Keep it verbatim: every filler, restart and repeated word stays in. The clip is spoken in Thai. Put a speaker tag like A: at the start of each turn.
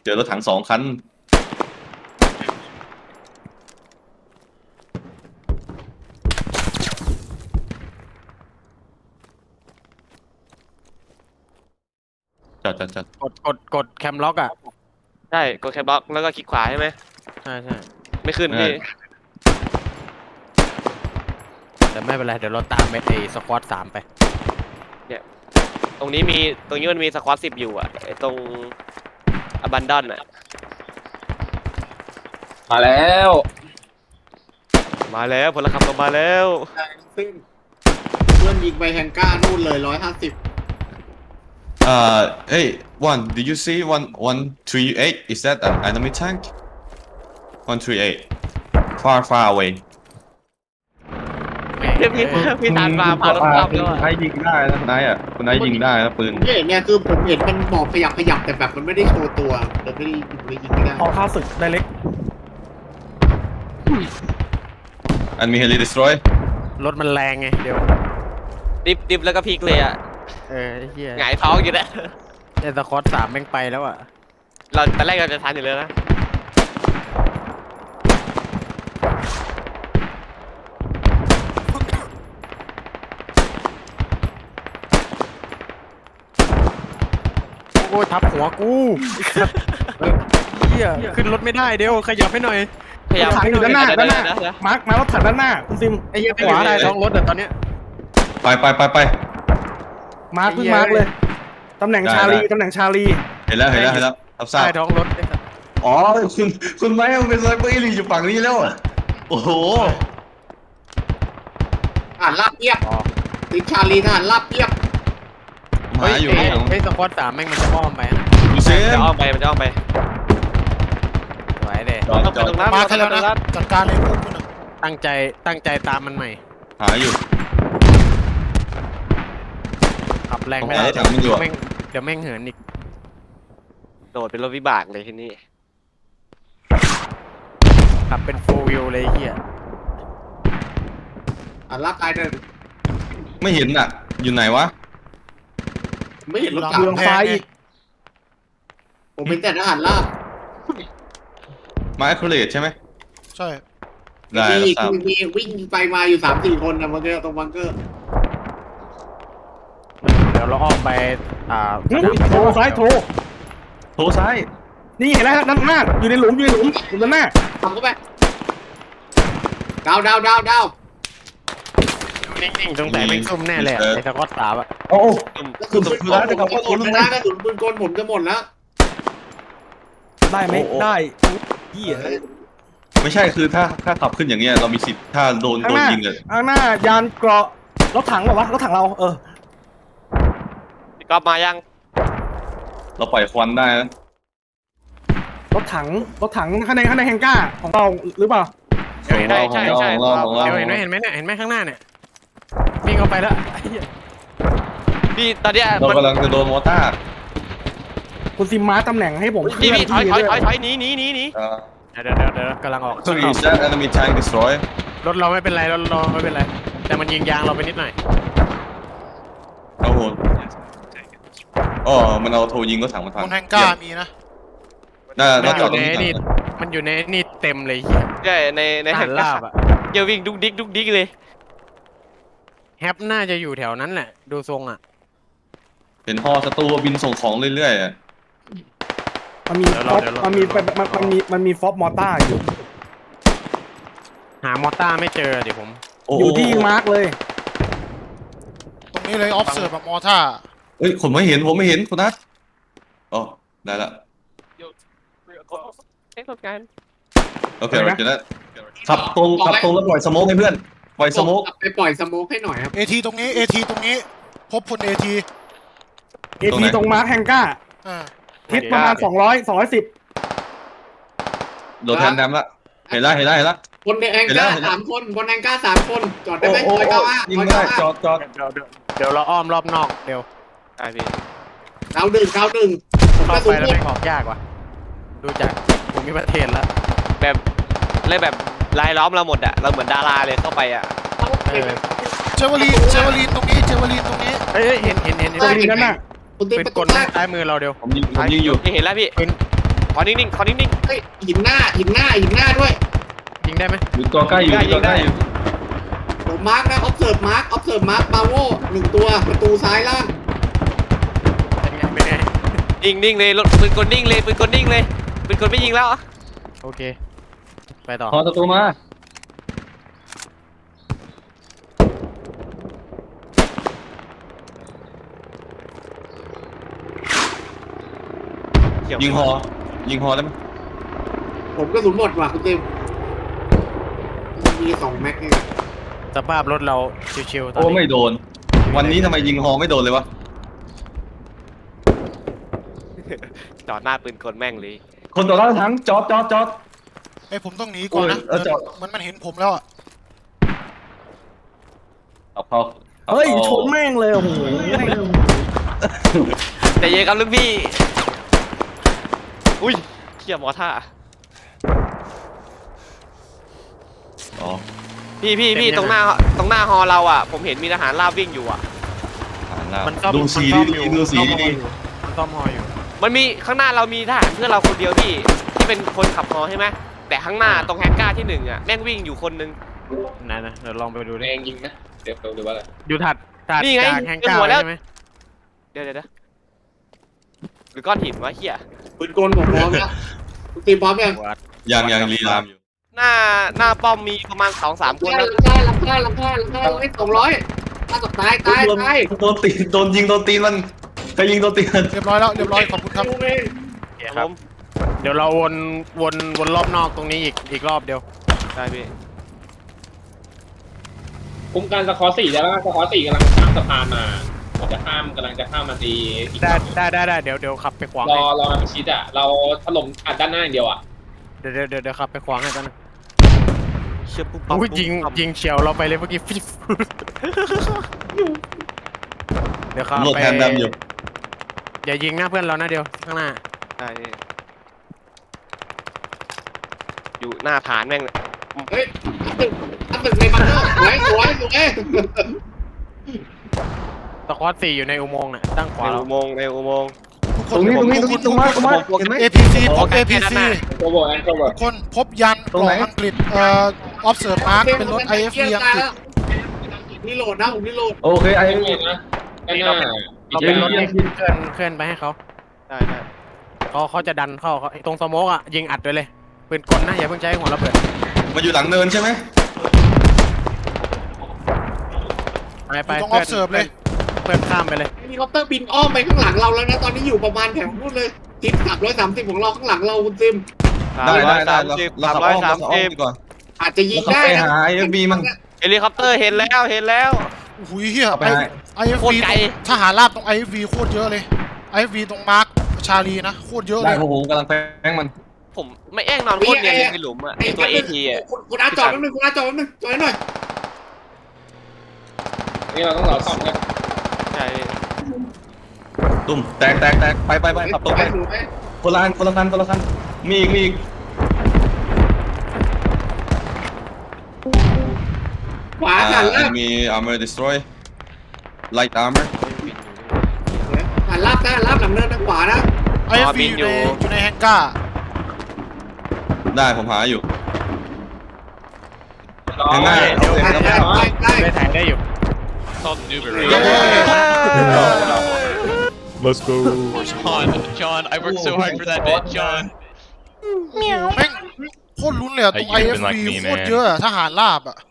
A: เจอรถถังสองคันจอดจอดจอด
B: กดกดกดแคมล็อกอ่ะ
C: ใช่กดแคปบล็อกแล้วก็คลิกขวาใช่ไหม
B: ใช่ใช่
C: ไม่ขึ้นพี่
B: แต่ไม่เป็นไรเดี๋ยวเราตามไปไอ้สควอตสามไป
C: เนี่ยตรงนี้มีตรงนี้มันมีสควอตสิบอยู่อ่ะไอ้ตรงอบันดอนอ่ะ
D: มาแล้ว
C: มาแล้วพลขับเรามาแล้ว
E: ซึ่งเพื่อนยิงไปแฮงก้านู่นเลยร้อยห้าสิบ
A: Uh, hey, one, did you see one one three eight? Is that an enemy tank? One three eight, far far away.
C: พี่พี่พี่ตานมาพารถขับแล้ว
A: คุณไอ้ยิงได้นะคุณไอ้อะคุณไอ้ยิงได้นะปืน
E: ผมเห็นเนี่ยคือผมเห็นมันหมอบขยับขยับแต่แบบมันไม่ได้โชว์ตัวแต่ไม่ได้ไม่ยิงไม่ได้
F: พอข้าศึกได้เล็ก
A: Enemy heli destroy.
B: รถมันแรงไงเดี๋ยว
C: ดิบดิบแล้วก็พลิกเลยอ่ะ
B: เออไอ้เหี้ย
C: หงายท้องอยู่นะ
B: ไอ้สควอตสามแม่งไปแล้วอ่ะ
C: เราตอนแรกเราจะทันอยู่เลยนะ
B: โอ้ยทับหัวกูเหี้ยขึ้นรถไม่ได้เดี๋ยวขยับให้หน่อย
C: พยายาม
F: รถถังอยู่ด้านหน้าด้านหน้า
C: เดี๋ยวเดี๋ยว
F: มาร์คมารถถังด้านหน้าคุณซิม
B: ไอ้เหี้ยไม่อยู่ได้ท้องรถอะตอนเนี้ย
A: ไปไปไปไป
F: มาร์คเพิ่งมาร์คเลยตำแหน่งชาลีตำแหน่งชาลี
A: เห็นแล้วเห็นแล้วเห็นแล้วรับทราบ
B: ใต้ท้องรถไอ้สัส
A: อ๋อคุณคุณไม่เอาเป็นไซเบอร์อีลีอยู่ฝั่งนี้แล้วอะโอ้โห
E: อ่านลาบเยียบติดชาลีทหารลาบเยียบ
A: ผมหาอยู่
B: เฮ้
A: ข้างหลัง
B: ไอ้สควอตสามแม่งมันจะอ้อมไปนะ
A: ดูเซ
C: จะ
A: ม
C: อ้อมไปมันจะอ้อมไป
B: สวยเด้
A: จอด
C: ต้อง
A: จ
C: ไป
A: อด
C: ตรงนั้น
G: มาให้แล้วนะ
C: ตรง
G: จัดการเลยพวกคุณอะ
B: ตั้งใจตั้งใจตามมันใหม่
A: หาอยู่
B: ขับแรงไม่ได้
A: ผมหารถถังมันอยู่อะ
B: แม่งเดี๋ยวแม่งเหินอีก
C: โดดเป็นรถวิบากเลยที่นี่
B: ขับเป็นโฟวิลเลยไอ้เหี้ย
E: อ่านลาบตายเดิน
A: ไม่เห็นอ่ะ อยู่ไหนวะ
E: ไม่เห็นรถ
G: หลัง
E: กลับ
F: เรืองไฟอีก
E: ผมเป็นแต่ทหารลาบ
A: มา accurate ใช่ไหม
G: ใช่
A: ได้
E: มี
A: รับทราบ
E: มีวิ่งไปมาอยู่สามสี่คนนะเมื่อกี้ตรงบังเกอร์
B: เดี๋ยวเราอ้อมไปอ่า
F: หึโถซ้ายโถ
A: โถซ้าย
F: นี่เห็นแล้วด้านหน้าอยู่ในหลุมอยู่ในหลุมอยู่ด้านหน้า
E: ทำเข้าไปดาวดาวดาวดาว
B: นิ่งๆตรงแต่แม่งซุ่มแน่เลยอะไอ้สควอตสามอะ
F: โอ้
E: กระสุนปืนกลผมจะหมดแล้วนะกระสุนปืนกลผมจะหมดแล้ว
F: ได้ไหมได้เหี้ย
A: ไม่ใช่คือถ้าถ้าขับขึ้นอย่างเงี้ยเรามีสิทธิ์ถ้าโดน
F: ข้า
A: โด
F: งห
A: น
F: น้า
A: ยิงเลย
F: ข้างหน้ายานเกราะรถถังเหรอวะรถถังเราเออ
C: พี่ก๊อฟมายัง
A: เราปล่อยควันได้นะ
F: รถถังรถถังข้างในข้างในแฮงก้าของเราหรือเปล่า
B: เดี๋ยวเห็นไหม
C: ใช่ใช่
A: ของเราของเรา
B: เดี๋ยว
A: ของ
B: เห็นไหม
A: เรา
B: เห็นไหมเนี่ยเห็นไหมข้างหน้าเนี่ยวิ่งเข้าไปแล้วไอ้เหี้ย
C: พี่ตอนเนี้ย
A: เรา
C: มัน
A: กำลังจะโดนมอต้า
F: คุณซิมมาร์คตำแหน่งให้ผมเคลื่
C: พี่
F: อน
C: พี่ถอย
F: ที่
C: ถอย
F: ด้
C: ถ
F: ว
C: อย ยถอยหนีหนีหนีหนี
A: เอ่อ
B: เดี๋ยวเดี๋ยวเดี๋ยวกำลังออก
A: so is that enemy tank destroy
B: รถเราไม่เป็นไรรถเราไม่เป็นไรแต่มันยิงยางเราไปนิดหน่อย
A: โอ้โหอ๋อมันเอาโทรยิงรถถังมาทาง
G: บนแฮงก้ามีนะ
A: น่า
B: มั
A: น่าน
B: อ
A: จอด
B: ยู่
A: ตรง
B: ใน
A: นี้
B: นี่
A: ก่อน
B: มันอยู่ในนี่เต็มเลยเหี้ย
C: ใช่ในใน
B: ท
C: แห่
B: หาง รลาบอะ
C: เดี๋ยววิ่งดุกดิกดุกดิกเลย
B: แฮปน่าจะอยู่แถวนั้นแหละดูทรงอะ
A: เห็นฮอศัตรูบินส่งของเรื่อยๆอะ
F: มันมีฟอปมันมีมันมันมีมันมีฟอปมอต้าอยู่
B: หามอต้าไม่เจอเดี๋ยวผม
A: โอ้
F: อ
A: โห
F: ยู่ที่มาร์คเลย
G: ตรงนี้เลยออฟเซิร์ฟแบบมอท่า
A: เอ้ยผมไม่เห็นผมไม่เห็นคุณนัทอ๋อได้ละ
C: เอ๊ะรถกัน
A: โอเคเราจะได้ขับตรงขับตรงแล้วปล่อยสโมกให้เพื่อนปล่อยสโมก
E: ไปปล่อยสโมกให้หน่อยครับ
G: เอทีตรงนี้เอทีตรงนี้ พบพลเอที
F: เอทีตรงมาร์คแฮงก้า
G: อ่า
F: ทิศประมาณสองร้อยสองร้อยสิบ
A: โดนแทนแดมละเห็นละเห็นละเห็นละ
E: คนในแองก้าสามคนคนแองก้าสามคนจอดได้
A: โอ้
E: ไหม
A: โอ้
E: ร้อย
A: โอ้
E: เก้าห้า
A: ยิง
E: ร้อย
A: ไม่ได้
E: เก้าห้า
A: จอดจอด
B: เดี๋ยวเดี๋ยวเดี๋ยวเราอ้อมรอบนอกเดี๋ยว
C: ใช่พี่
E: ดาวหนึ่งดาวหนึ่งผม
B: เข้าก
E: ระสุ
B: ไป
E: น
B: แล้ว
E: หมด
B: แม่งออกยากว่ะดูจากภูมิประเทศแล้ว
C: แบบเลยแบบลายล้อมเราหมดอะเราเหมือนดาราเลยเข้าไปอะ
B: เออ
G: เจวลีนเจวลีนตรงนี้เจวลีนตรงนี้
B: เฮ้ยเฮ้ยเห็นเห็นเห็นเห็น
F: ตรงนี้นั่นน่ะ
E: คุณตี
B: เป็น
E: ประ
B: ก
E: ตู
B: ล
E: แร
B: แม่ง
E: ก
B: ซ้ายมือเราเดี๋ยว
A: ผมยิงผมยิงอยู่
C: พี่เห็นแล้วพี่ขอนิ่งๆขอนิ่ง
E: เฮ้ยหินหน้าหินหน้าหินหน้าด้วย
B: ยิงได้ไหม
A: อยู่ตัวใกล้อยู่ตัวใกล้อยู่
E: ผมมาร์กนะ observe mark observe mark บาโวหนึ่งตัวประตูซ้ายล่าง
B: เป็นไงเป็นไง
C: ๆนิ่งนิ่งๆเลยรถปืนกลนิ่งเลยปืนกลนิ่งเลยปืนกลไม่ยิงแล้วอะ
B: โอเคไปต่อ
A: พอประตูมา
C: เขียว
A: ยิงฮอยิงฮอได้ไหม
E: ผมก็สุนหมดว่ะคุณเต็มมีสองแม็กนี่
B: สภาพรถเราชิวๆตอน
A: โอ้
B: นี้
A: ไม่โดน วันนี้ทำไมยิงฮอไม่โดนเลยวะ
C: จอดหน้าปืนกลแม่งเลย
A: คนต่อต้านทั้งจอดจอดจอด
G: ไอ้ยผมต้องหนีก่อนนะ
A: โอ้ยเออจอด
G: มันมันเห็นผมแล้วอ่ะ
A: เอาเขาอา
F: เฮ้ย
A: อา
F: ชนแม่งเลยโอ้โห
C: แต่เย็นครับลูกพี่อุ้ยเขี่ยมอท่า
A: อ๋อ
C: พี่พี่พี่ตรงหน้าตรงหน้าฮอเราอ่ะ ผมเห็นมีทหารลาบวิ่งอยู่อ่ะ
A: อ่านแล้ว
B: มันซ่อม
A: ดูสี
B: มันซ่อม
A: ดี
B: อยู่
A: ๆดูสี
B: ซ่อมฮอ
A: ดี
B: อยู่มันซ่อมฮออยู่
C: มันมีข้างหน้าเรามีทหารเพื่อนเราคนเดียวพี่ที่เป็นคนขับฮอใช่ไหมแต่ข้างหน้าตรงแฮงก้าที่หนึ่งอ่ะแม่งวิ่งอยู่คนนึง
B: ไหนนะเดี๋ยวลองไปดูดิ
D: เองยิงนะเดี๋ยวดูว่าอะไร
B: อยู่ถัดถัด
C: นี่ไง
B: จากแฮง
C: เจอ
B: ก้า
C: หัวแล้ว
B: ใช่ไหม
C: เดี๋ยวเดี๋ยวเดี๋ยวหรือก้อนหินวะเฮีย
E: ปืนกลผมพร้อมแล้วคุณเต็มพร้อมยัง
A: ๆยังยังรีรามอยู่
C: หน้าหน้าป้อมมีประมาณสองสามคน
E: ลำ
C: นะ
E: ค่าลำค่าลำค่าลำค่าลำค่าสองร้อยถ้าตกตายตาย
A: โดน
E: ตาย
A: โดนตีนโดนยิงโดนตีนมันใครยิงโดนตีนมัน
G: เรียบร้อยแล้วเรียบร้อยขอบคุณครับ
E: ดูเอง
B: โอเค
C: ค
B: ค
C: รั
B: รั
C: บบ ผม
B: เดี๋ยวเราวนวนวนรอบนอกตรงนี้อีกอีกรอบเดียว
C: ได้พี่
D: คุ้มกันสคอร์สี่ได้ป่ะสคอร์สี่กำลังข้ามสะพานมาผมจะข้ามกำลังจะข้ามมาตีอีก
B: ได้
D: ฝั่ง
B: ได้ได้ได้เดี๋ยวเดี๋ยวขับไปขวาง
D: ร
B: ให้
D: อรอมาชิดอ่ะ เราถล่มอัดด้านหน้าอย่างเดียวอ่ะ
B: เดี๋ยวเดี๋ยวเดี๋ยวเดี๋ยวขับไปขวางให้กันนะ
C: เชื่อปุ๊บปั๊บ
B: อุ้ย
C: ปุ๊บ
B: ยิง
C: ปั๊บ
B: ยิงเฉียวเราไปเลยเมื่อกี้ฟิฟเดี๋ยวขับ
A: โหลด
B: ไป
A: แทนดำอยู่
B: อย่ายิงหน้าเพื่อนเรานะเดียวข้างหน้า
C: ได้พี่อยู่หน้าฐานแม่งเลย
E: เฮ้ยอันตึกอันตึกในบังเกอร์สวยสวยสวย
B: สควอตสี่อยู่ในอุโมงค์น่ะตั้งขวา
C: ใน
B: เรา
C: อุโมงค์ในอุโมงค์
G: ทุกค
A: ตร
G: น
A: งนี้ตรงนี้ต
G: ทุ
A: รง
G: ก
A: นี้
G: ค
A: ตรงมาตรงมา
C: ผม
A: เห็นไหม
G: เอพีซีพบ
C: แค่
G: เอพี
C: ด้าน
G: ซี
C: หน้า
D: โคเวอร์แอนโคเวอร์
G: คนพบยัน
A: ตรง
G: หล
A: ไหน
G: อกอังกฤษเอ่อ observe mark เป็นรถ ไอ เอฟ วี อังกฤษ
E: นี่โหลดนะผมนี่โหลด
A: โอเคไอ้
D: ด้านหน้านะด้านหน้า
B: เราเป็นรถที่เคลื่อนเคลื่อนไปให้เขา
C: ได้ได้
B: เขาเขาจะดันเข้าเขาตรงสโมกอ่ะยิงอัดไปเลยปืนกลนะอย่าเพิ่งใช้หัวระเบิด
A: มาอยู่หลังเนินใช่ไหม
B: ไปไป
G: อยู่ตรง
B: เพื่อน
G: observe เลย
B: เพื่อนข้ามไปเลย
E: เฮลิคอปเตอร์บินอ้อมไปข้างหลังเราแล้วนะ ตอนนี้อยู่ประมาณแถวนู้นเลยทิศสามร้อยสามสิบของเราข้างหลังเราคุณซิม
A: ได้ได้ได้
C: สาม
A: เรา
C: สิบ
A: เรา
C: สาม
A: ขับ
C: ร้
A: อ้
C: อย
A: อม
C: สา
A: เรา
C: ม
A: ขับอ้อ
C: สิ
A: ม
C: บ
A: ดีกว่า
E: อาจจะยิง
A: เราขับ
E: ได้
A: ไป
E: นะ
A: หาไอ้บีมัน
C: เฮลิคอปเตอร์เห็นแล้วเห็นแล้ว
G: หุยเฮีย
A: เอาไป
G: ไอ
A: ให้
G: ไอเอฟ
C: โคตร
G: วี
C: ไกล
G: ทหารราบตรงไอเอฟวีโคตรเยอะเลยไอเอฟวีตรงมาร์คชาลีนะโคตรเยอะเล
A: ได้
G: ย
A: โอ้โหกำลังแป้งมัน
C: ผมไม่แอ้งนอนโคตรเนียนเลยในหลุมอ่ะไอตัวเอทีอ่ะ
E: คุณคุณอาจอดแป๊บนึงคุณอาจอดแป๊บนึงจอดหน่อย
D: นี่เราต้องรอซ่อมกัน
C: ใช่
A: ตุ่มแตกแตกแตกไปไปไปขับตรงไป
E: ถูกไหม
A: คนละคันคนละคันคนละคันมีอีกมีอีก
E: ขวา
A: อ่า
E: หันลาบ
A: enemy armor destroy light armor
E: หันลาบนะหันลาบหลังเนินทางขวานะ
G: ไอเอฟวีอยู่ในอยู่ในแฮงก้า
A: ได้ผมหาอยู่
D: รอ
A: เห็นไหม
E: เดี๋ยวได้ได้ได้
B: ได้ถ่ายได้อยู่
H: Let's go. John, John, I worked so hard for that bit, John.
G: แม่งโคตรลุ้นเลยอะตรง
H: I
G: ไอ
H: you've
G: เอฟ
H: been like
G: วี
H: me,
G: โคตร
H: man.
G: เยอะอะทหารราบอะ